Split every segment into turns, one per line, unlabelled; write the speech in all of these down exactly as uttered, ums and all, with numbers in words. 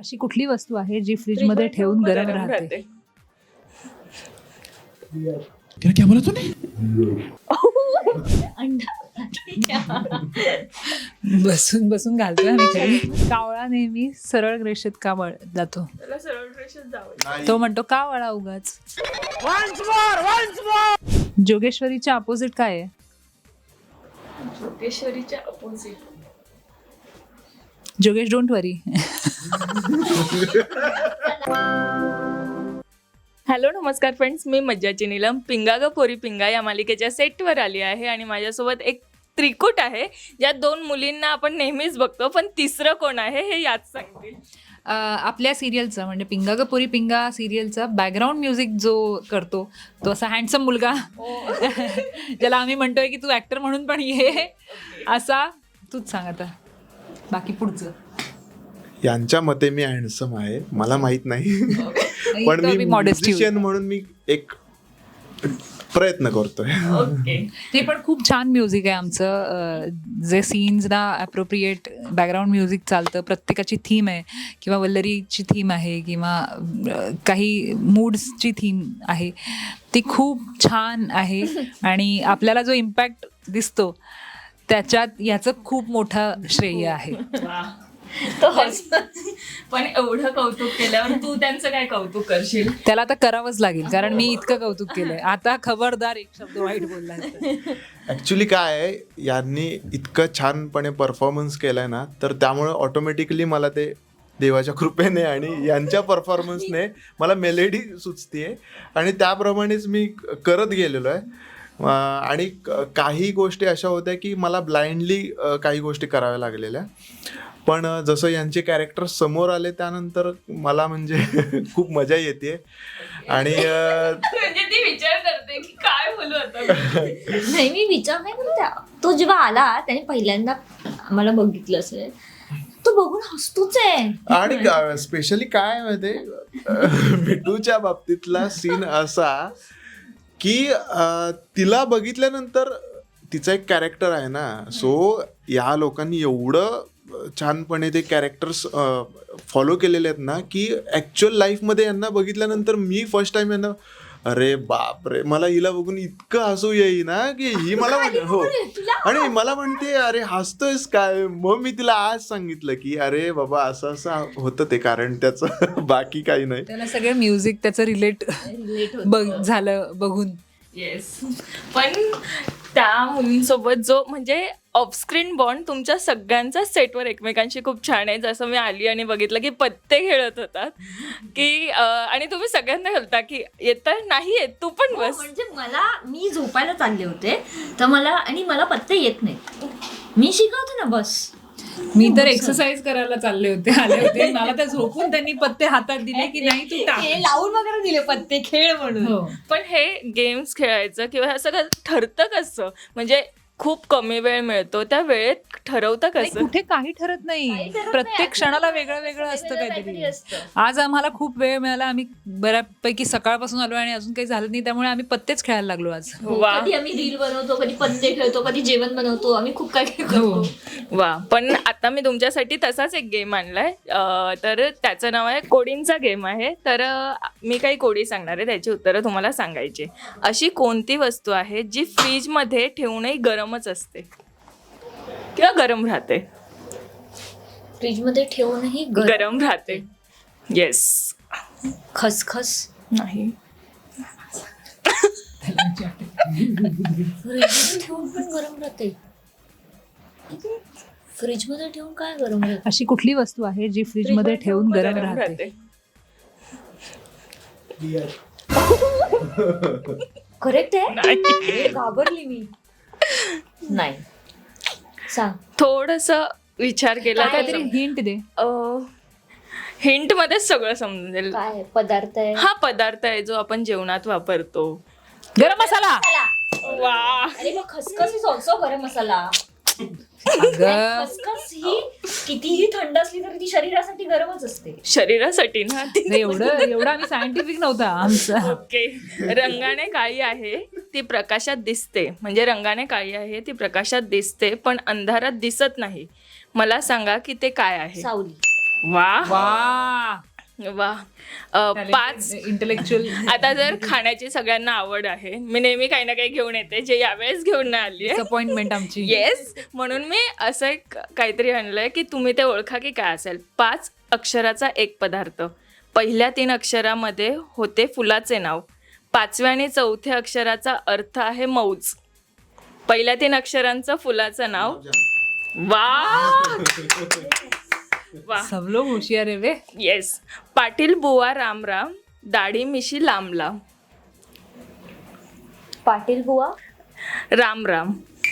अशी कुठली वस्तू आहे जी फ्रीज मध्ये ठेवून गरम राहते?
क्या क्या बोला तूने?
बसून बसून घालतोय आम्ही खाली. कावळा नेहमी सरळ रेषेत का वळ जातो?
त्याला सरळ रेषेत जावं.
तो म्हणतो का वळा उगाच. जोगेश्वरीच्या अपोजिट काय आहे?
जोगेश्वरीच्या अपोजिट
जोगेश डोंट वरी.
हॅलो नमस्कार फ्रेंड्स, मी मज्जाची नीलम पिंगा ग पोरी पिंगा या मालिकेच्या सेटवर आली आहे आणि माझ्यासोबत एक त्रिकूट आहे ज्यात दोन मुलींना आपण नेहमीच बघतो, पण तिसरं कोण आहे हे याच सांगतील.
आपल्या सिरियलचं म्हणजे पिंगा ग पोरी पिंगा सिरियलचा बॅकग्राऊंड म्युझिक जो करतो तो असा हँडसम मुलगा ज्याला आम्ही म्हणतोय की तू ऍक्टर म्हणून पण ये, असा तूच सांग आता बाकी पुढचं.
यांच्या मते मी हँडसम आहे, मला माहित नाही पण मी
मॉडेस्टी
म्युझिशियन म्हणून मी एक प्रयत्न करतोय.
ते पण खूप छान म्युझिक आहे आमचं, जे सीन्सना ॲप्रोप्रिएट बॅकग्राऊंड म्युझिक चालतं. प्रत्येकाची थीम आहे किंवा वल्लरीची थीम आहे किंवा काही मूड्सची थीम आहे, ती खूप छान आहे आणि आपल्याला जो इम्पॅक्ट दिसतो त्याच्यात याचं खूप मोठं श्रेय आहे.
पण एवढं कौतुक केल्यावर तू त्यांचं काय कौतुक करशील?
त्याला आता करावंच लागेल कारण मी इतकं कौतुक केलंय. आता खबरदार एक शब्द वाईट बोलला.
ऍक्च्युली काय आहे, यांनी इतकं छानपणे परफॉर्मन्स केलाय ना, तर त्यामुळे ऑटोमॅटिकली मला ते देवाच्या कृपेने आणि यांच्या परफॉर्मन्सने मला मेलेडी सुचतीये आणि त्याप्रमाणेच मी करत गेलेलो आहे. आणि काही गोष्टी अशा होत्या की मला ब्लाइंडली काही गोष्टी कराव्या लागलेल्या, पण जसं यांचे कॅरेक्टर समोर आले त्यानंतर मला म्हणजे खूप मजा येते आणि
म्हणजे ती विचार करते की काय बोलू आता.
नाही, मी विचार नाही करत. तो जेव्हा आला त्याने पहिल्यांदा मला बघितलं असेल, तो बघून हसतोच आहे.
आणि स्पेशली काय माहिती, मिठूच्या बाबतीतला सीन असा की तिला बघितल्यानंतर तिचं एक कॅरेक्टर आहे ना, सो या लोकांनी एवढं छानपणे ते कॅरेक्टर्स फॉलो केलेले आहेत ना की ॲक्च्युअल लाईफमध्ये यांना बघितल्यानंतर मी फर्स्ट टाइम यांना अरे बाप रे, मला हिला बघून इतकं हसू येई ना की ही मला हो आणि मला म्हणते अरे हसतोयस काय. मग मी तिला आज सांगितलं की अरे बाबा असं असं होतं ते, कारण त्याचं बाकी काही नाही.
त्याला सगळं म्युझिक त्याचं रिलेट बघ झालं बघून.
येस, पण त्या मुलींसोबत जो म्हणजे ऑफस्क्रीन बॉन्ड तुमच्या सगळ्यांचा सेटवर एकमेकांशी खूप छान आहे. जसं मी आली आणि बघितलं की पत्ते खेळत होतात की आणि तुम्ही सगळ्यांना खेळता की येतं नाही येत तू पण बस.
म्हणजे मला मी झोपायला चालले होते तर मला आणि मला पत्ते येत नाहीत, मी शिकवते ना बस.
मी तर एक्सरसाइज करायला चालले होते आले होते, मला तर झोपून त्यांनी पत्ते हातात दिले की नाही तू टाक,
लावून वगैरे दिले पत्ते खेळ म्हणून.
पण हे गेम्स खेळायचं किंवा हे सगळं ठरतं कसं, म्हणजे खूप कमी वेळ मिळतो त्या वेळेत ठरवतं कसं?
कुठे काही ठरत नाही, प्रत्येक क्षणाला वेगळं वेगळं असतं काहीतरी. आज आम्हाला खूप वेळ मिळाला, आम्ही बऱ्यापैकी सकाळपासून आलो आणि अजून काही झालं नाही, त्यामुळे आम्ही पत्तेच खेळायला लागलो आज.
कधी आम्ही रील बनवतो, कधी पत्ते खेळतो, कधी जेवण बनवतो, आम्ही खूप काही करतो.
वा, पण आता मी तुमच्यासाठी तसाच एक गेम आणलाय, तर त्याचं नाव आहे कोडींचा गेम आहे. तर मी काही कोडी सांगणार आहे, त्याची उत्तरं तुम्हाला सांगायची. अशी कोणती वस्तू आहे जी फ्रीजमध्ये ठेवूनही गरमच असते किंवा गरम राहते?
फ्रीज मध्ये ठेवूनही
गरम राहते. येस.
खसखस
नाही.
फ्रीज ठेवून पण गरम राहते. फ्रीज मध्ये ठेवून काय गरम राहते?
अशी कुठली वस्तू आहे जी फ्रीज मध्ये ठेवून गरम राहते?
करेक्ट आहे. घाबरली मी. नाही, सांग.
थोडस विचार केला
काहीतरी हिंट दे.
हिंट मध्येच सगळं समजेल.
काय पदार्थ आहे?
हा पदार्थ आहे जो आपण जेवणात वापरतो.
गरम मसाला.
वा,
अरे मग खसखस इज ऑल्सो गरम मसाला. खसखस ही कितीही थंड असली तरी ती शरीरासाठी गरमच असते.
शरीरासाठी ना.
एवढं एवढं आम्ही सायंटिफिक नव्हता आमचं.
ओके. रंगाने काळी आहे ती प्रकाशात दिसते, म्हणजे रंगाने काळी आहे ती प्रकाशात दिसते पण अंधारात दिसत नाही. मला सांगा की ते काय आहे?
सावली.
वा
वा,
वा अ, पाच
इंटेलेक्च्युअल
आता जर खाण्याची सगळ्यांना आवड आहे, मी नेहमी काही ना काही घेऊन येते जे यावेळेस घेऊन नाही आली आहे.
अपॉइंटमेंट आमची.
येस, म्हणून मी असं एक काहीतरी आणलंय की तुम्ही ते ओळखा की काय असेल. पाच अक्षराचा एक पदार्थ. पहिल्या तीन अक्षरामध्ये होते फुलाचे नाव. पाचव्या आणि चौथ्या अक्षराचा अर्थ आहे मौज. पहिल्या तीन अक्षरांचं फुलाचं नाव. वा वा
सब लोग होशियार आहे वे.
येस. पाटील बुवा रामराम, दाढी मिशी लांबला.
पाटील बुवा
राम राम.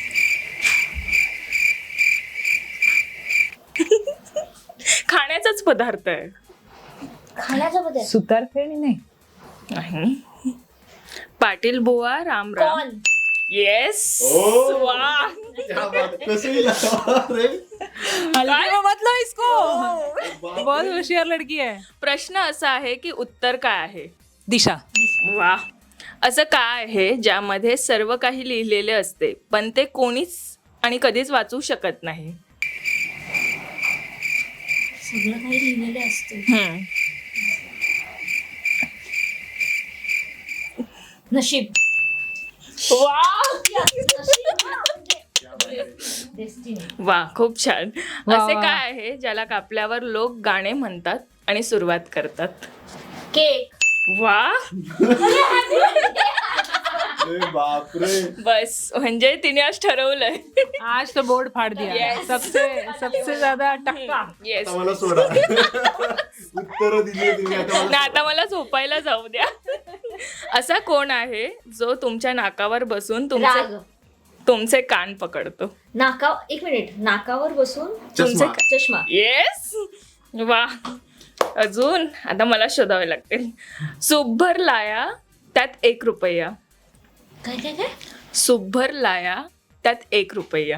खाण्याचाच पदार्थ आहे.
खाण्याचा बदल
सुतार फेणी नाही.
नाही. पाटील बुवा राम राम.
कॉर्न.
येस.
ओ.
वा.
कसंही लावा रे.
मतलब इसको बहुत होशियार लड़की है.
प्रश्न असा आहे की उत्तर काय आहे.
दिशा.
वा. असं काय आहे ज्यामध्ये सर्व काही लिहिलेले असते पण ते कोणीच आणि कधीच वाचू शकत नाही.
सगळं काही लिहिलेलं असते.
हम्म.
नशीब.
वा
डेस्टिनी.
वा खूप छान.
वा,
असे
वा.
काय आहे ज्याला कापल्यावर लोक गाणे म्हणतात आणि सुरुवात करतात.
केक.
वा.
अरे बापरे.
बस म्हणजे तिने आज ठरवलंय.
आज तो बोर्ड फाड़ दिया.
Yes.
सबसे सबसे ज्यादा टक्का.
येस.
आता मला सोडा. उत्तर दिली तुम्ही आता मला.
ना आता मला झोपायला जाऊ द्या. असा कोण आहे जो तुमच्या नाकावर बसून तुमचे
राग.
तुमचे कान पकडतो.
नाका एक मिनिट नाकावर बसून
चष्मा.
चष्मा.
येस. वा. अजून आता मला शोधावे लागतील. सुभर लाया त्यात एक रुपया.
काय काय काय
सुभर लाया त्यात एक रुपया.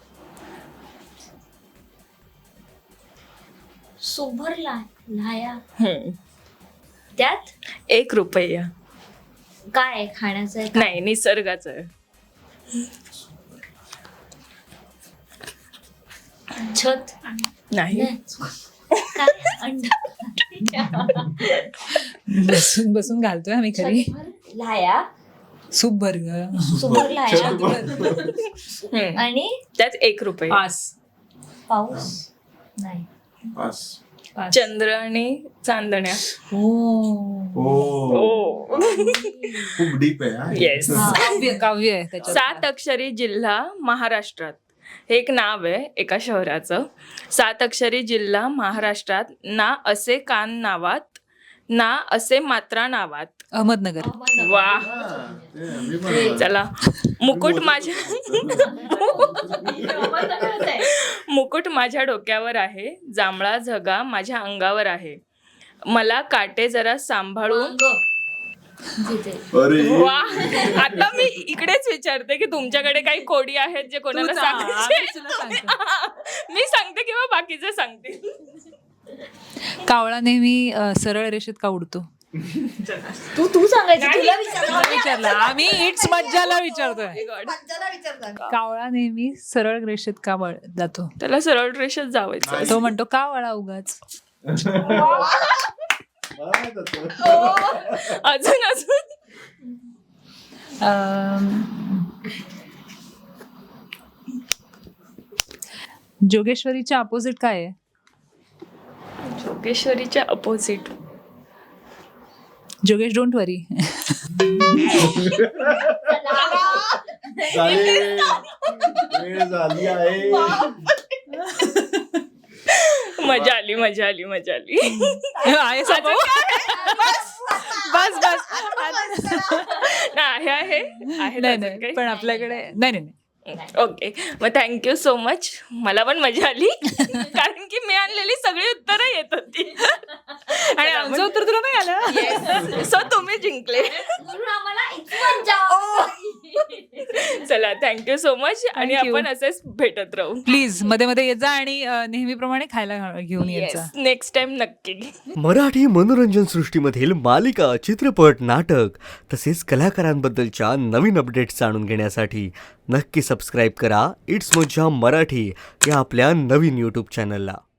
सुभर ला लाया
हम्म.
त्यात
एक रुपया.
काय आहे? खाण्याचं आहे का?
नाही, निसर्गाचं आहे.
छत.
नाही.
नाही. काय अंडा.
बसून बसून घालतोय आम्ही खरी.
छतभर लाया.
सूप भर ग.
सुभर लाया
हम्म.
आणि
त्यात एक रुपया.
पास.
पाऊस नाही.
पास.
पास.
चंद्र आणि चांदण्या.
ओ.
ओ.
ओ.
खूप डीप आहे हा.
येस.
काव्य काव्य आहे त्याच्यात.
सात अक्षरी जिल्हा महाराष्ट्रात. हे एक नाव आहे एका शहराचं. सात अक्षरी जिल्हा महाराष्ट्रात. ना असे कान नावात, ना असे मात्रा नावात.
अहमदनगर.
वा.
हा, ते मी पण-
चला. मुकुट माझ्या मुकुट माझ्या डोक्यावर आहे, जांभळा झगा माझ्या अंगावर आहे, मला काटे जरा सांभाळून.
अरे
वा. आता मी इकडेच विचारते की तुमच्याकडे काही कोडी आहेत जे कोणाला
तू सांग.
सांगायचे.
आम्ही तुला सांगतो.
मी सांगते किंवा बाकीचे सांगतील.
कावळा नेहमी अ, सरळ रेषेत का उडतो.
तू तू सांगायचं
नाही.
तुला विचारलं.
विचारला आम्ही इट्स मज्जाला विचारतोय.
God.
मज्जाला विचारलं.
कावळा नेहमी सरळ रेषेत का वळ जातो.
त्याला सरळ रेषेत जावायचं.
तो म्हणतो का वळा उगाच.
मला माहित होतं.
अजून अजून
अम, जोगेश्वरीच्या अपोजिट काय आहे.
जोगेश्वरीच्या अपोजिट.
जोगेश डोंट वरी.
झाले. वेळ झाली आहे.
मजा आली मजा आली मजा आली.
आहे सब. बस बस.
नाही आहे आहे
नाही
अजून
नाही
काही?
पण आपल्याकडे नाही नाही नाही.
ओके. मग थँक्यू सो मच. मला पण मजा आली कारण की मी आणलेली सगळी उत्तरं येत होती.
आणि आमचं उत्तर तुला नाही आलं.
सो तुम्ही जिंकले.
म्हणून आम्हाला इतकी मज्जा आवडली.
चला थँक्यू सो मच. आणि
Thank you.
आपण असेच भेटत राहू.
प्लीज मध्ये मध्ये येत जा आणि अ, नेहमीप्रमाणे खायला घा- घेऊन येत जा.
नेक्स्ट टाइम नक्की.
मराठी मनोरंजन सृष्टीमधील मालिका, चित्रपट, नाटक तसेच कलाकारांबद्दलच्या नवीन अपडेट्स जाणून घेण्यासाठी नक्की सबस्क्राईब करा इट्स मज्जा मराठी या आपल्या नवीन यूट्यूब चॅनलला.